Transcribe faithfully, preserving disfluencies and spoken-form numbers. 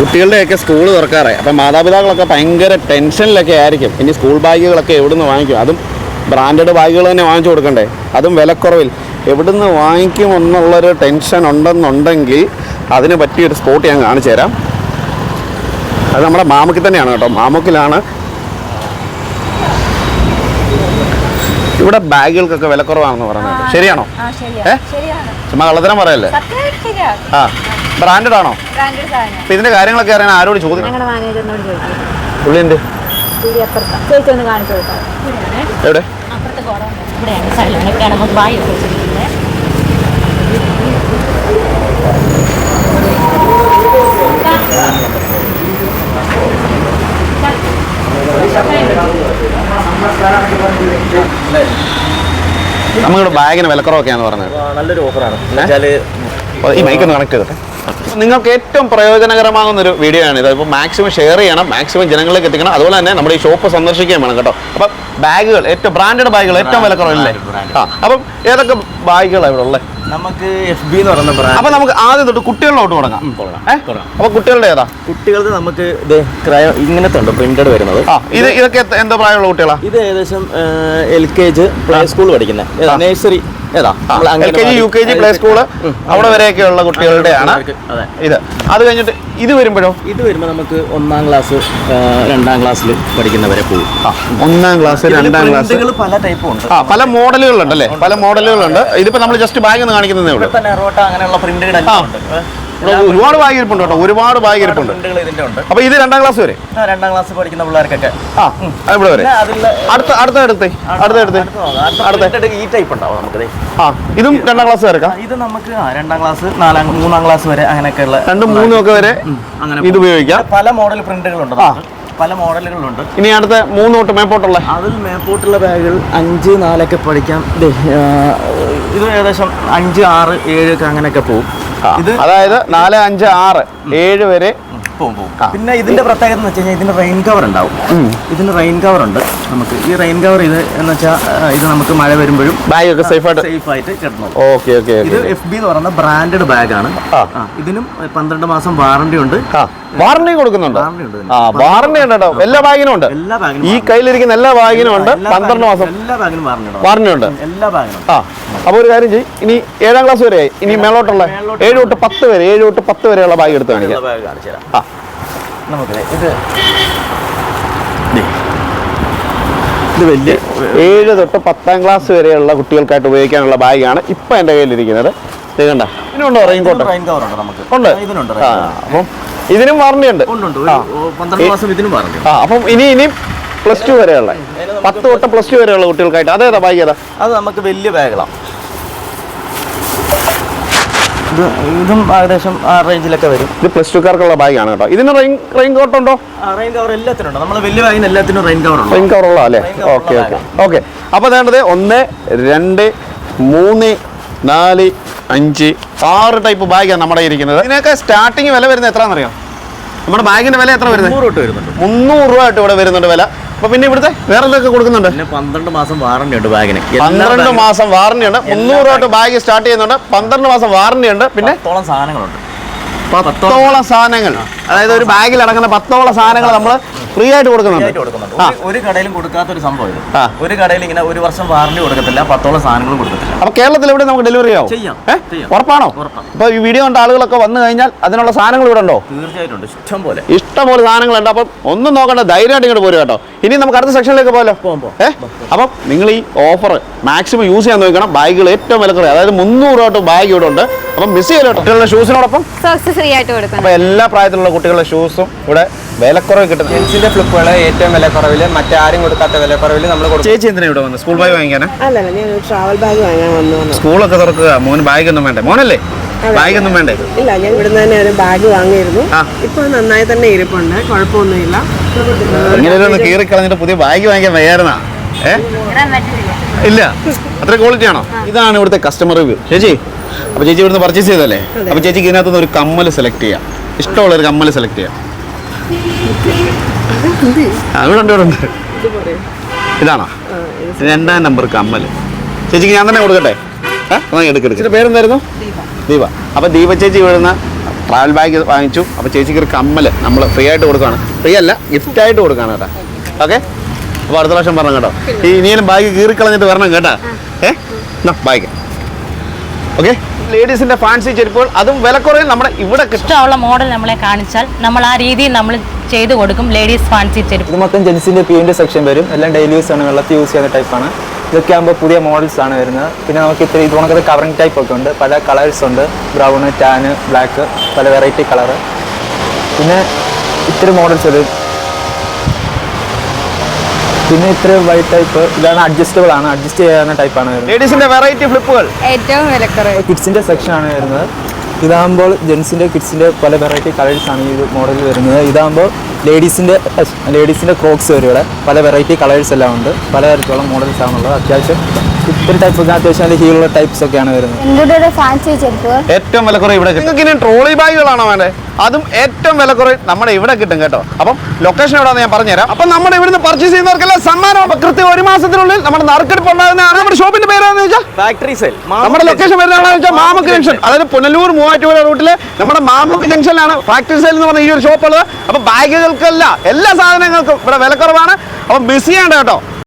കുട്ടികളുടെയൊക്കെ school തുറക്കാറായി. അപ്പം മാതാപിതാക്കളൊക്കെ ഭയങ്കര ടെൻഷനിലൊക്കെ ആയിരിക്കും. ഇനി സ്കൂൾ ബാഗുകളൊക്കെ എവിടുന്ന് വാങ്ങിക്കും? അതും ബ്രാൻഡഡ് ബാഗുകൾ തന്നെ വാങ്ങിച്ചു കൊടുക്കണ്ടേ, അതും വിലക്കുറവിൽ. എവിടുന്ന് വാങ്ങിക്കും എന്നുള്ളൊരു ടെൻഷൻ ഉണ്ടെന്നുണ്ടെങ്കിൽ അതിന് പറ്റിയൊരു സ്പോട്ട് ഞാൻ കാണിച്ചു തരാം. അത് നമ്മുടെ മാമുക്കിൽ തന്നെയാണ് കേട്ടോ. മാമുക്കിലാണ് ഇവിടെ ബാഗുകൾക്കൊക്കെ വിലക്കുറവാണെന്ന് പറയുന്നത്. ശരിയാണോ? ഏ ചുമ്മാ കള്ളത്തരം പറയല്ലേ? ആ, ബ്രാൻഡഡ് ആണോ? അപ്പൊ ഇതിന്റെ കാര്യങ്ങളൊക്കെ അറിയാൻ ആരോട് ചോദിക്കും? പുള്ളിയുണ്ട് എവിടെ? നമ്മുടെ ബാഗിന് വിലക്കുറവൊക്കെയാന്ന് പറഞ്ഞത്. നല്ലൊരു ഓഫറാണ്. ഈ മൈക്കൊന്ന് കണക്ട് ചെയ്തോട്ടെ. നിങ്ങൾക്ക് ഏറ്റവും പ്രയോജനകരമാകുന്നൊരു വീഡിയോ ആണ് ഇത്. ഇപ്പോൾ മാക്സിമം ഷെയർ ചെയ്യണം, മാക്സിമം ജനങ്ങളിലേക്ക് എത്തിക്കണം. അതുപോലെ തന്നെ നമ്മുടെ ഈ ഷോപ്പ് സന്ദർശിക്കുകയും വേണം കേട്ടോ. അപ്പം ബാഗുകൾ, ഏറ്റവും ബ്രാൻഡഡ് ബാഗുകൾ ഏറ്റവും വിലക്കുറവല്ലേ? ആ, അപ്പം ഏതൊക്കെ ബാഗുകളാണ് ഇവിടെ ഉള്ളത്? നമുക്ക് എഫ് ബി എന്ന് പറയുന്ന ബ്രാൻഡ്. അപ്പം നമുക്ക് ആദ്യം തൊട്ട് കുട്ടികളിലോട്ട് തുടങ്ങാം. അപ്പോൾ കുട്ടികളുടെ ഏതാ? കുട്ടികൾക്ക് നമുക്ക് ഇത് ക്രയോ ഇങ്ങനത്തെ ഉണ്ട് പ്രിന്റഡ് വരുന്നത്. ആ, ഇത് ഇതൊക്കെ എന്തോ പ്രായമുള്ള കുട്ടികളാണ്? ഇത് ഏകദേശം L K G play school പഠിക്കുന്ന nursery, L K G U K G play school അവിടെ വരെയൊക്കെയുള്ള കുട്ടികളുടെയാണ് ഇത്. അത് കഴിഞ്ഞിട്ട് ഇത് വരുമ്പോഴോ? ഇത് വരുമ്പോൾ നമുക്ക് ഒന്നാം ക്ലാസ് രണ്ടാം ക്ലാസ്സിൽ പഠിക്കുന്നവരെ പോകും. ഒന്നാം ക്ലാസ് രണ്ടാം ക്ലാസ് പല ടൈപ്പും ഉണ്ട്. ആ, പല മോഡലുകളുണ്ട് അല്ലേ? പല മോഡലുകളുണ്ട്. ഇതിപ്പോ നമ്മൾ ജസ്റ്റ് ബാഗ് ഒന്ന് കാണിക്കുന്നതേ ഉള്ളൂ. അങ്ങനെയുള്ള പ്രിന്റുകൾ ഒരുപാട് ബാഗ് ഇരിപ്പുണ്ട് കേട്ടോ, ഒരുപാട് ബാഗ് ഇരിപ്പുണ്ട്. അപ്പൊ ഇത് രണ്ടാം ക്ലാസ് വരെ? രണ്ടാം ക്ലാസ് പഠിക്കുന്ന പിള്ളേർക്കൊക്കെ ആ, ഇവിടെ വരെ. അടുത്ത അടുത്ത അടുത്ത് അടുത്ത അടുത്ത് അടുത്ത ഈ ടൈപ്പ് ഉണ്ടാവും നമുക്ക്. ആ, ഇതും രണ്ടാം ക്ലാസ് വരെ? ഇത് നമുക്ക് രണ്ടാം ക്ലാസ് നാലാം മൂന്നാം ക്ലാസ് വരെ അങ്ങനെയൊക്കെയുള്ള രണ്ടും മൂന്നും ഒക്കെ വരെ ഇത് ഉപയോഗിക്കാം. പല മോഡൽ പ്രിന്റുകളുണ്ട്, പല മോഡലുകളുണ്ട്. ഇനി അടുത്ത മൂന്ന് തൊട്ട് മേപ്പോട്ടുള്ള അതിൽ മേപ്പോട്ടുള്ള ബാഗുകൾ അഞ്ച് നാലൊക്കെ പഠിക്കാം. ഇത് ഏകദേശം അഞ്ച് ആറ് ഏഴ് ഒക്കെ അങ്ങനെയൊക്കെ പോകും. ഇത് അതായത് നാല് അഞ്ച് ആറ് ഏഴ് വരെ പോകും. പിന്നെ ഇതിന്റെ പ്രത്യേകത എന്ന് വെച്ച് കഴിഞ്ഞാൽ ഇതിന് റെയിൻ കവർ ഉണ്ടാവും. ഇതിന് റെയിൻ കവർ ഉണ്ട് നമുക്ക്. ഈ റെയിൻ കവർ ഇത് എന്ന് വെച്ചാൽ ഇത് നമുക്ക് മഴ വരുമ്പോഴും ബാഗ് ഒക്കെ സേഫ് ആയിട്ട് സേഫ് ആയിട്ട് കിടന്നു. Okay okay. ഇത് എഫ് ബി എന്ന് പറയുന്ന ബ്രാൻഡഡ് ബാഗാണ്. ഇതിനും പന്ത്രണ്ട് മാസം വാറണ്ടി ഉണ്ട്. വാറണ്ടി കൊടുക്കുന്നുണ്ട്? ആ, വാറണ്ടി ഉണ്ട് കേട്ടോ. എല്ലാ ബാഗിനും ഉണ്ട്. എല്ലാ ബാഗിനും, ഈ കയ്യിലിരിക്കുന്ന എല്ലാ ബാഗിനും ഉണ്ട്. പന്ത്രണ്ട് മാസം എല്ലാ ബാഗിനും വാറണ്ടി ഉണ്ട്. എല്ലാ ബാഗിനും. ആ, അപ്പൊ ഒരു കാര്യം ചെയ്യും, ഇനി ഏഴാം ക്ലാസ് വരെയായി. ഇനി മേളോട്ടുള്ള ഏഴ് തൊട്ട് പത്ത് വരെ ഏഴ് തൊട്ട് പത്ത് വരെയുള്ള ബാഗ് എടുത്ത് കാണിക്കാം. ആ, നമുക്ക് ഇത് ഇത് വലിയ ഏഴ് തൊട്ട് പത്താം ക്ലാസ് വരെയുള്ള കുട്ടികൾക്കായിട്ട് ഉപയോഗിക്കാനുള്ള ബാഗാണ് ഇപ്പൊ എന്റെ കയ്യിലിരിക്കുന്നത്. ഇത് കണ്ട, ഇതിനുണ്ടോ റെയിൻ കോട്ട്? ഉണ്ട്. ആ, അപ്പം ഇതിനും വാറണ്ടി ഉണ്ട്. ആ, അപ്പം ഇനി ഇനി പ്ലസ് ടു വരെയുള്ള പത്ത് തൊട്ട് പ്ലസ് ടു വരെയുള്ള കുട്ടികൾക്കായിട്ട് അതേതാ ബാഗ്? ഏതാ അത്? നമുക്ക് വലിയ ബാഗുകളാണ്. ഇത് ഇതും ഏകദേശം ആ റേഞ്ചിലൊക്കെ വരും. ഇത് പ്ലസ് ടുക്കാർക്കുള്ള ബാഗാണ് കേട്ടോ. ഇതിന് റെയിൻ റെയിൻ കോട്ട് ഉണ്ടോ? റെയിൻ കവർ എല്ലാത്തിനും ഉണ്ട്. നമ്മൾ വലിയ ബാഗിന് എല്ലാത്തിനും റെയിൻ കവർ ഉണ്ട്. റെയിൻ കവർ ഉള്ള അല്ലേ? Okay okay okay. അപ്പോൾ വേണ്ടത് ഒന്ന് രണ്ട് മൂന്ന് നാല് അഞ്ച് ആറ് ടൈപ്പ് ബാഗാണ് നമ്മുടെ ഇരിക്കുന്നത്. ഇതിനൊക്കെ സ്റ്റാർട്ടിങ് വില വരുന്നത് എത്രയാണെന്നറിയാം? നമ്മുടെ ബാഗിന്റെ വില എത്ര വരുന്നത്? മുന്നൂറ് വരുന്നുണ്ട്. മുന്നൂറ് രൂപ ആയിട്ട് ഇവിടെ വരുന്നുണ്ട് വില. അപ്പൊ പിന്നെ ഇവിടുത്തെ വേറെ എന്തൊക്കെ കൊടുക്കുന്നുണ്ട്? പന്ത്രണ്ട് മാസം വാറണ്ടി ഉണ്ട് ബാഗിന്. പന്ത്രണ്ട് മാസം വാറണ്ടി ഉണ്ട്. മുന്നൂറ് രൂപ ബാഗ് സ്റ്റാർട്ട് ചെയ്യുന്നുണ്ട്. പന്ത്രണ്ട് മാസം വാറണ്ടി ഉണ്ട്. പിന്നെ പത്തോളം സാധനങ്ങളുണ്ട്. പത്തോളം സാധനങ്ങൾ, അതായത് ഒരു ബാഗിൽ അടങ്ങുന്ന പത്തോളം സാധനങ്ങൾ നമ്മൾ ഫ്രീ ആയിട്ട് കൊടുക്കുന്നുണ്ട്. ഒരു കടയിലും കൊടുക്കാത്ത ഒരു സംഭവം ഇത്. ഒരു കടയിൽ ഇങ്ങനെ ഒരു വർഷം വാറണ്ടി കൊടുക്കത്തില്ല, പത്തോളം സാധനങ്ങളും കൊടുക്കത്തില്ല. അപ്പൊ കേരളത്തിൽ എവിടെ നമുക്ക് ഡെലിവറി ആവും? ചെയ്യാം. ഉറപ്പാണോ? അപ്പൊ ഈ വീഡിയോ കണ്ട ആളുകളൊക്കെ വന്നു കഴിഞ്ഞാൽ അതിനുള്ള സാധനങ്ങൾ ഇവിടെ ഉണ്ടോ? തീർച്ചയായിട്ടും ഇഷ്ടം പോലെ ഇഷ്ടം പോലെ സാധനങ്ങളുണ്ട്. അപ്പം ഒന്നും നോക്കണ്ട, ധൈര്യമായിട്ട് ഇങ്ങോട്ട് പോരും കേട്ടോ. ഇനി നമുക്ക് അടുത്ത സെക്ഷനിലേക്ക് പോകാലോ. ഏഹ് അപ്പം നിങ്ങൾ ഈ ഓഫർ മാക്സിമം യൂസ് ചെയ്യാൻ നോക്കണം. ബാഗുകൾ ഏറ്റവും വിലക്കുറവ്, അതായത് മുന്നൂറ് രൂപ ബാഗ് ഇവിടെ ഉണ്ട്. അപ്പം മിസ് ചെയ്യല്ലോ. കുട്ടികളുടെ ഷൂസിനോടൊപ്പം അപ്പൊ എല്ലാ പ്രായത്തിലുള്ള കുട്ടികളുടെ ഷൂസും ഇവിടെ വിലക്കുറവ് കിട്ടും. ജെൻസിന്റെ ഫ്ലിപ്പുകൾ ഏറ്റവും വിലക്കുറവിൽ, മറ്റാരും കൊടുക്കാത്ത വിലക്കുറവിൽ നമ്മൾ കൊടുക്കും. ചേച്ചി എന്തിനാ ഇവിടെ വന്നത്? സ്കൂൾ ബാഗ് വാങ്ങിക്കാനാ? അല്ലല്ല, ഞാൻ ട്രാവൽ ബാഗ് വാങ്ങാൻ വന്നു. സ്കൂളൊക്കെ തുറക്കുക, മോന് ബാഗ് ഒന്നും വേണ്ടേ? മോനല്ലേ ബാഗ് ഒന്നും വേണ്ടേ? ഇല്ല, ഞാൻ ഇവിടുന്ന് തന്നെ ഒരു ബാഗ് വാങ്ങിയിരുന്നു. ഇപ്പൊ നന്നായി തന്നെ ഇരിപ്പുണ്ട്, കുഴപ്പമൊന്നുമില്ല. ഇങ്ങനെ കീറി കളഞ്ഞിട്ട് പുതിയ ബാഗ് വാങ്ങിക്കാൻ വയ്യായിരുന്നാ? ഏഹ് ഇല്ല, അത്ര ക്വാളിറ്റി ആണോ? ഇതാണ് ഇവിടുത്തെ കസ്റ്റമർ റിവ്യൂ. ചേച്ചി, അപ്പൊ ചേച്ചി ഇവിടുന്ന് പർച്ചേസ് ചെയ്തല്ലേ? അപ്പൊ ചേച്ചിക്ക് ഇതിനകത്തുനിന്ന് ഒരു കമ്മൽ സെലക്ട് ചെയ്യാം. ഇഷ്ടമുള്ള ഒരു കമ്മൽ സെലക്ട് ചെയ്യാം. ഇവിടെ ഉണ്ട്, ഇവിടെ ഉണ്ട്. ഇതാണോ രണ്ടാം നമ്പർ കമ്മൽ? ചേച്ചിക്ക് ഞാൻ തന്നെ കൊടുക്കട്ടെ? ഏഹ് എടുക്കെടുക്കും. പേരെന്തായിരുന്നു? ദീപ. അപ്പൊ ദീപ ചേച്ചി ഇവിടുന്ന് ട്രാവൽ ബാഗ് വാങ്ങിച്ചു. അപ്പോൾ ചേച്ചിക്ക് ഒരു കമ്മൽ നമ്മൾ ഫ്രീ ആയിട്ട് കൊടുക്കുകയാണ്. ഫ്രീ അല്ല, ഗിഫ്റ്റായിട്ട് കൊടുക്കുകയാണ് കേട്ടോ. ഓക്കെ, അപ്പോൾ അടുത്ത പ്രാവശ്യം പറഞ്ഞു കേട്ടോ. ഈ ഇനിയും ബാഗ് കീറിക്കളഞ്ഞിട്ട് വരണം കേട്ടോ. ഏ ബാഗ് ഓക്കെ. ലേഡീസിൻ്റെ ഫാൻസി ചെരുപ്പുകൾ അതും വിലക്കുറയിൽ നമ്മുടെ ഇവിടെ കിട്ടും. ഇഷ്ടമുള്ള മോഡൽ നമ്മളെ കാണിച്ചാൽ നമ്മൾ ആ രീതിയിൽ നമ്മൾ ചെയ്തു കൊടുക്കും. ലേഡീസ് ഫാൻസി ചെരുപ്പ് ഇത് മൊത്തം ജെൻസിൻ്റെ പീൻ്റെ സെക്ഷൻ വരും. എല്ലാം ഡെയിലി യൂസ് ആണ്, വെള്ളത്തിൽ യൂസ് ചെയ്യുന്ന ടൈപ്പാണ്. ഇതൊക്കെ ആകുമ്പോൾ പുതിയ മോഡൽസ് ആണ് വരുന്നത്. പിന്നെ നമുക്ക് ഇത്ര ഇത് കണക്കത്തെ കവറിങ് ടൈപ്പ് ഒക്കെ ഉണ്ട്. പല കളേഴ്സ് ഉണ്ട്, ബ്രൗണ്, ടാന്, ബ്ലാക്ക്, പല വെറൈറ്റി കളറ്. പിന്നെ ഇത്തിരി മോഡൽസ് വരും. പിന്നെ ഇത്ര വൈറ്റ് ടൈപ്പ് ഇതാണ്, അഡ്ജസ്റ്റബിൾ ആണ്, അഡ്ജസ്റ്റ് ചെയ്യാവുന്ന ടൈപ്പാണ് വരുന്നത്. ലേഡീസിൻ്റെ വെറൈറ്റി ഫ്ലിപ്പുകൾ ഏറ്റവും വിലക്കുറവ് കിഡ്സിൻ്റെ സെക്ഷൻ ആണ് വരുന്നത്. ഇതാകുമ്പോൾ ജെൻസിൻ്റെ കിഡ്സിൻ്റെ പല വെറൈറ്റി കളേഴ്സ് ആണ് ഈ മോഡൽ വരുന്നത്. ഇതാകുമ്പോൾ ലേഡീസിൻ്റെ ലേഡീസിൻ്റെ ക്രോക്സ് വരും. ഇവിടെ പല വെറൈറ്റി കളേഴ്സ് എല്ലാം ഉണ്ട്, പലതരത്തിലുള്ള മോഡൽസ് ആണുള്ളത്. അത്യാവശ്യം ഇത്തിരി ടൈപ്പ് ഒക്കെ അത്യാവശ്യം നല്ല ഹീലുള്ള ടൈപ്സ് ഒക്കെയാണ് വരുന്നത്. ഫാൻസി ചെരുപ്പ് ഏറ്റവും വിലക്കുറവ് ഇവിടെ കിട്ടും. നിങ്ങൾക്ക് ഇനി ട്രോളി ബാഗുകളാണോ വേണ്ടത്? അതും ഏറ്റവും വിലക്കുറവ് നമ്മുടെ ഇവിടെ കിട്ടും കേട്ടോ. അപ്പം ലൊക്കേഷൻ എവിടെയാണെന്ന് ഞാൻ പറഞ്ഞുതരാം. അപ്പം നമ്മുടെ ഇവിടുന്ന് പർച്ചേസ് ചെയ്യുന്നവർക്കെല്ലാം സമ്മാനം. അപ്പം കൃത്യം ഒരു മാസത്തിനുള്ളിൽ നമ്മുടെ നറുക്കെടുപ്പ് ഉണ്ടാകുന്നതാണ്. നമ്മുടെ ഷോപ്പിന്റെ പേരാണെന്ന് വെച്ചാൽ ഫാക്ടറി സെൽ. നമ്മുടെ ലൊക്കേഷൻ വരുന്നതാണെന്ന് വെച്ചാൽ മാമുക്ക് ജംഗ്ഷൻ, അതായത് പുനലൂർ മൂവാറ്റുപുഴ റൂട്ടിലെ നമ്മുടെ മാമുക്ക് ജംഗ്ഷനിലാണ് ഫാക്ടറി സെയിൽ എന്ന് പറഞ്ഞ ഈ ഒരു ഷോപ്പ് ഉള്ളത്. അപ്പം ബാഗുകൾക്കല്ല എല്ലാ സാധനങ്ങൾക്കും ഇവിടെ വിലക്കുറവാണ്. അപ്പം മിസ് ചെയ്യേണ്ട കേട്ടോ.